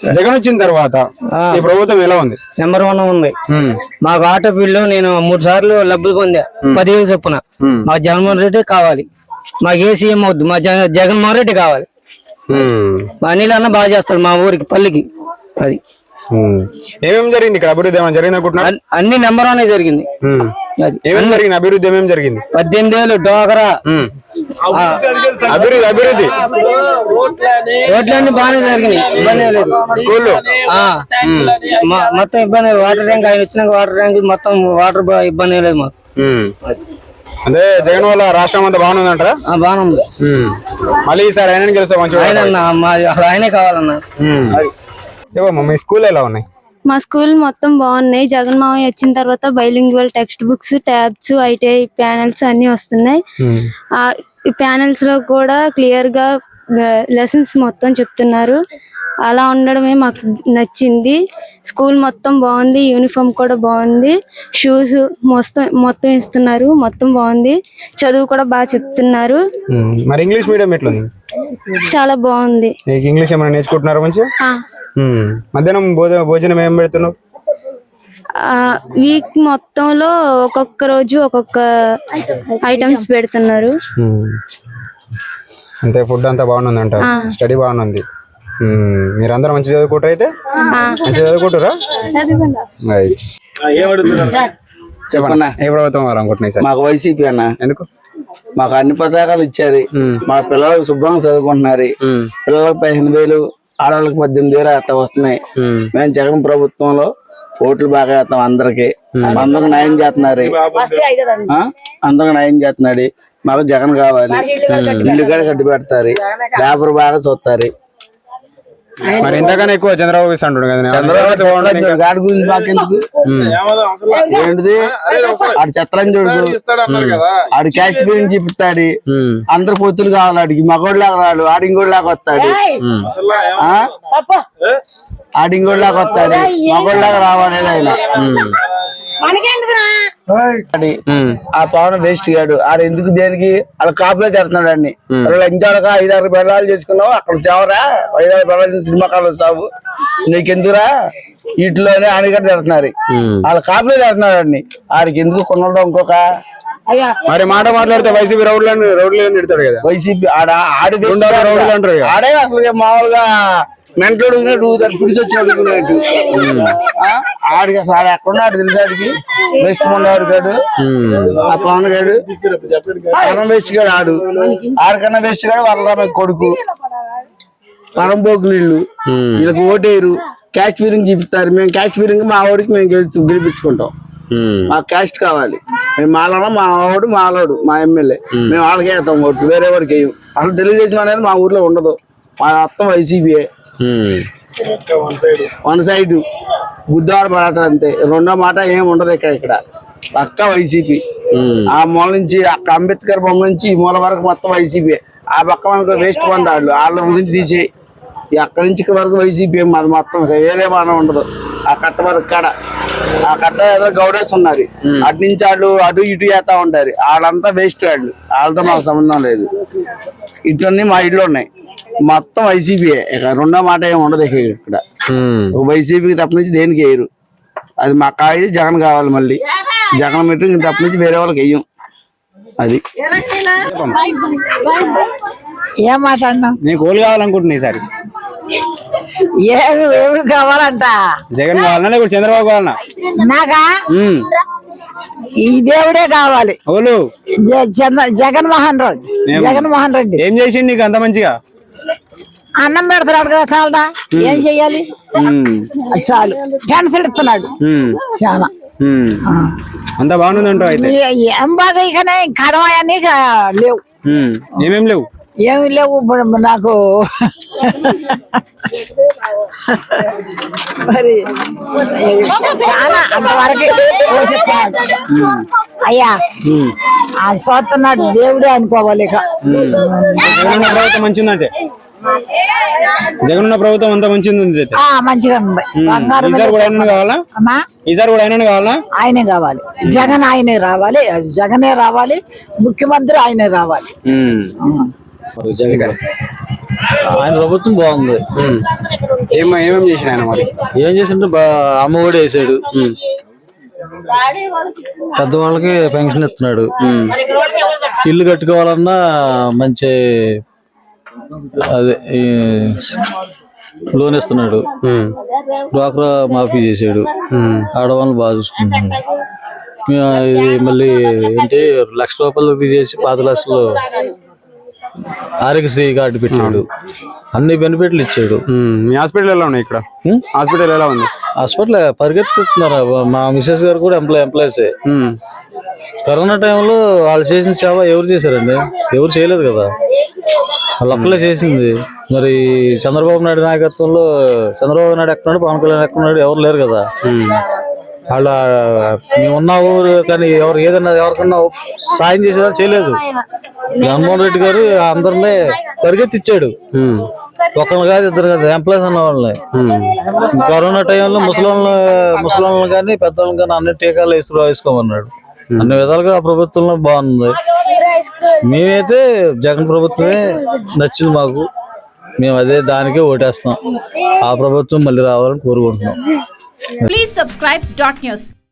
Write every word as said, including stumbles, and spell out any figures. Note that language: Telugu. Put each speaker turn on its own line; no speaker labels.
జగన్ వచ్చిన తర్వాత ఈ ప్రభుత్వం ఎలా ఉంది?
నెంబర్ వన్ ఉంది. మాకు ఆటో బిల్లు నేను మూడు సార్లు లబ్బులు పొందా పదివేలు చొప్పున. మా జగన్మోహన్ రెడ్డి కావాలి, మాకు ఏ సీఎం అవుద్దు, మా జగన్మోహన్ రెడ్డి కావాలి. మా అనిల్ అన్న బాగా చేస్తాడు మా ఊరికి పల్లికి. అది
ఏమేమి జరిగింది ఇక్కడ అభివృద్ధి ఏమైనా జరిగింది అనుకుంటున్నా?
అన్ని నెంబర్ వన్ జరిగింది.
అది ఏమేమి జరిగింది అభివృద్ధి? ఏమేమి జరిగింది?
పద్దెనిమిది వేలు డోకరా
అభివృద్ధి అభివృద్ధి
రోడ్లన్నీ బాగానే జరిగినాయి, ఇబ్బంది లేదు.
స్కూల్లో
మొత్తం ఇబ్బంది, వాటర్ ట్యాంక్ ఆయన వచ్చినాక వాటర్ ట్యాంక్ మొత్తం వాటర్ ఇబ్బంది లేదు మాకు.
అదే జగన్ వల్ల రాష్ట్రం అంతా బాగానే ఉందంటారా?
బాగానే ఉంది.
మళ్ళీ ఈసారి ఆయన గెలుస్తా మంచిగా
ఆయనే కావాలన్నా.
చెప్పమ్మా మీ స్కూల్ ఎలా ఉన్నాయి?
మా స్కూల్ మొత్తం బాగున్నాయి. జగన్ మావయ్య వచ్చిన తర్వాత bilingual text books, tabs, ITI panels అన్ని వస్తున్నాయి. ఆ ప్యానెల్స్ లో కూడా క్లియర్ గా లెసన్స్ మొత్తం చెప్తున్నారు. అలా ఉండడమే మాకు నచ్చింది. స్కూల్ మొత్తం బాగుంది, యూనిఫామ్ కూడా బాగుంది, షూస్ మొత్తం మొత్తం ఇస్తున్నారు, మొత్తం బాగుంది. చదువు కూడా బాగా చెప్తున్నారు.
మరి ఇంగ్లీష్ మీడియం ఎట్లా ఉంది?
చాలా బాగుంది.
ఇంగ్లీష్ ఏమైనా నేర్చుకుంటున్నారా మంచిగా? మధ్యాహ్నం భోజనం ఏం పెడుతున్నావు?
వీక్ మొత్తంలో ఒక్కొక్క రోజు ఒక్కొక్క ఐటమ్స్ పెడుతున్నారు.
అంతే, ఫుడ్ అంతా బాగుంది అంట, స్టడీ బాగుంది. మీరందరూ మంచి చదువుకుంటారు అయితే? మంచి చదువుకుంటారా? చెప్పన్నా ఏ ప్రభుత్వం అనుకుంటున్నాయి సార్?
మాకు వైసీపీ అన్న.
ఎందుకు?
మాకు అన్ని పథకాలు ఇచ్చారు, మా పిల్లలకు శుభ్రంగా చదువుకుంటున్నారు. పిల్లలకు పదిహేను వేలు, ఆడవాళ్ళకి పద్దెనిమిది వేలు అట్లా వస్తున్నాయి. మేము జగన్ ప్రభుత్వంలో ఓట్లు బాగా వేస్తాం అందరికి. అందరికి న్యాయం చేస్తున్నారు, అందరికి న్యాయం చేస్తున్నాడు. మాకు జగన్ కావాలి, ఇల్లు కూడా కట్టి పెడతారు, లేబర్ బాగా చూస్తారు.
మరి ఎంతకన్నా ఎక్కువ చంద్రబాబు అంటాడు కదా.
చంద్రబాబు గాడి గురించి మాకెందుకు? ఏంటిది ఆడు చెత్తలంజోడు, ఆడు క్యాస్ట్ గురించి చెప్తాడు. అందరు పొత్తులు కావాలి ఆడికి. మగోళ్ళలాగా రాడు, ఆడింగోళ్ళలాగా వస్తాడు. ఆడింగోళ్ళలాగా వస్తాడు, మగోళ్ళలాగా రావాలి ఆయన. ఆ పవన్ వేస్ట్ గాడు. ఆడు ఎందుకు దేనికి వాళ్ళ కాపులో చేస్తున్నాడు అన్ని. ఇంచాక ఐదారు బెల్లాలు చేసుకున్నావు, అక్కడ చావరా ఐదారు బెల్లాలు సినిమా కాలు సాగు నీకెందుకురా? వీటిలోనే ఆడిగడ్డ తిడుతున్నారు, వాళ్ళ కాపులో చేస్తున్నాడు అన్ని. ఆడికి ఎందుకు కొనడం ఇంకొక
మరి మాట మాట్లాడితే వైసీపీ రౌడ్లను రౌడ్లు తిడతాడు కదా.
వైసీపీ ఆడ ఆడి
రౌడ్లు అంటారు,
ఆడే అసలు మామూలుగా మెంటలు పిడిచొచ్చినట్టు ఆడికి అసలు ఆడ ఎక్కడున్నాడు తెలుసాడికి. వెస్ట్ మొన్నవాడు కాడు, ఆ పవన్ గాడు పరం వేస్ట్ గాడు. ఆడు ఆడికన్నా వేస్ట్ గాడు వాళ్ళ కొడుకు పరంపోకులు. వీళ్ళు వీళ్ళకి ఓటేరు, క్యాస్ట్ ఫీలింగ్ చూపిస్తారు. మేము క్యాస్ట్ ఫీలింగ్ మా వాడికి మేము గెలిచి గెలిపించుకుంటాం. మాకు క్యాస్ట్ కావాలి. మేము మాలోడు, మా వాడు మాలోడు, మా ఎమ్మెల్యే. మేము వాళ్ళకే వేస్తాం ఓటు, వేరే వాడికి వేయం. అసలు తెలుగుదేశం అనేది మా ఊర్లో ఉండదు. మా మొత్తం వైసీపీ వన్ సైడ్ గుద్దాడు పడతారు అంతే. రెండో మాట ఏమి ఉండదు ఇక్కడ. ఇక్కడ పక్క వైసీపీ. ఆ మూల నుంచి అక్క అంబేద్కర్ బొమ్మ నుంచి ఈ మూల వరకు మొత్తం వైసీపీ. ఆ పక్క మనకు వేస్ట్ పొందాళ్ళు, వాళ్ళ గురించి తీసే అక్కడి నుంచి ఇక్కడ వరకు వైసీపీ. మాది మొత్తం వేరే మనం ఉండదు. ఆ కట్ట వరకు కాడ ఆ కట్ట ఏదో గౌడేస్ ఉన్నారు, అటు నుంచి వాళ్ళు అటు ఇటు చేస్తా ఉంటారు. వాళ్ళంతా వేస్ట్ వాళ్ళు, వాళ్ళతో మాకు సంబంధం లేదు. ఇటువన్నీ మా ఇళ్ళు ఉన్నాయి, మొత్తం వైసీపీ. ఇక రెండో మాట ఏమి ఉండదు ఇక్కడ. వైసీపీకి తప్ప నుంచి దేనికి వేయరు. అది మా కాయ జగన్ కావాలి. మళ్ళీ జగన్ మీటింగ్ తప్ప నుంచి వేరే వాళ్ళకి వెయ్యం. అది
ఏం మాట్లాడినా
నీకు ఓలు కావాలనుకుంటున్నా ఈసారి?
ఏమి ఏమి కావాలంట?
జగన్ కావాలన్నా లేకపోతే చంద్రబాబు కావాలన్నా?
నాకా ఈ దేవుడే కావాలి.
ఓలు
జగన్మోహన్ రెడ్డి. జగన్మోహన్ రెడ్డి
ఏం చేసిండు నీకు అంత మంచిగా?
అన్నం పెడతాడు కదా, చాలదా? ఏం చెయ్యాలి? చాలు. క్యాన్సర్ ఇస్తున్నాడు చాలా.
అంతా బాగుంది అంటావు అయితే?
ఏం బాగా ఇకనే కడమాయని లేవు.
ఏమేం లేవు?
ఏమి లేవు నాకు. మరి చాలా అంతవరకు పోషిస్తున్నాడు అయ్యా. అది చూస్తున్నాడు దేవుడే అనుకోవాలి. ఇక
ప్రభుత్వం మంచిదంటే జగన్ ఉన్న ప్రభుత్వం అంతా మంచిది,
మంచిగా ఉంది.
ఈసారి కూడా ఆయన కావాలా? ఈసారి కూడా ఆయన కావాలా?
ఆయనే కావాలి. జగన్ ఆయనే రావాలి, జగనే రావాలి, ముఖ్యమంత్రి ఆయనే రావాలి.
ఆయన ప్రభుత్వం బాగుంది.
ఏం ఏమేమి చేసిన ఆయన మరి?
ఏం చేసింటే బా అమ్మ ఒడి వేసాడు, పెద్దవాళ్ళకి పెన్షన్ ఇస్తున్నాడు, ఇల్లు కట్టుకోవాలన్నా మంచి అదే ఈ లోన్ ఇస్తున్నాడు, డ్వాక్రా మాఫీ చేసాడు, ఆడవాళ్ళని బాగా చూసుకుంటున్నాడు. ఇది మళ్ళీ ఏంటి లక్ష రూపాయలు తీసేసి పది లక్షలు ఆరోగ్యశ్రీ కార్డు పెట్టాడు, అన్ని బెనిఫిట్లు ఇచ్చాడు.
మీ హాస్పిటల్ ఎలా ఉన్నాయి ఇక్కడ? హాస్పిటల్ ఎలా ఉంది?
హాస్పిటల్ పరిగెత్తుతున్నారు. మా మిసెస్ గారు కూడా ఎంప్లాయ్ ఎంప్లాయీసే. కరోనా టైంలో వాళ్ళు చేసిన సేవ ఎవరు చేశారండి? ఎవరు చేయలేదు కదా, వాళ్ళు ఒక్కలే చేసింది. మరి చంద్రబాబు నాయుడు నాయకత్వంలో చంద్రబాబు నాయుడు ఎక్కడున్నాడు, పవన్ కళ్యాణ్ ఎక్కడున్నాడు, ఎవరు లేరు కదా. వాళ్ళ మేము ఉన్న ఊరు కానీ ఎవరు ఏదన్నా ఎవరికన్నా సాయం చేసేదా చేయలేదు. జగన్మోహన్ రెడ్డి గారు అందరినీ పరిగెత్తిచ్చాడు, ఒకళ్ళు కాదు ఇద్దరు కాదు ఎంప్లాయీస్ అన్న వాళ్ళని. కరోనా టైంలో ముసలి ముసలి కానీ పెద్దవాళ్ళని కానీ అన్ని టీకాలు వేసు వేసుకోమన్నాడు. అన్ని విధాలుగా ఆ ప్రభుత్వంలో బాగుంది. మేమైతే జగన్ ప్రభుత్వమే నచ్చింది మాకు, మేము అదే దానికే ఓటేస్తాం. ఆ ప్రభుత్వం మళ్ళీ రావాలని కోరుకుంటున్నాం.
Please subscribe dot news.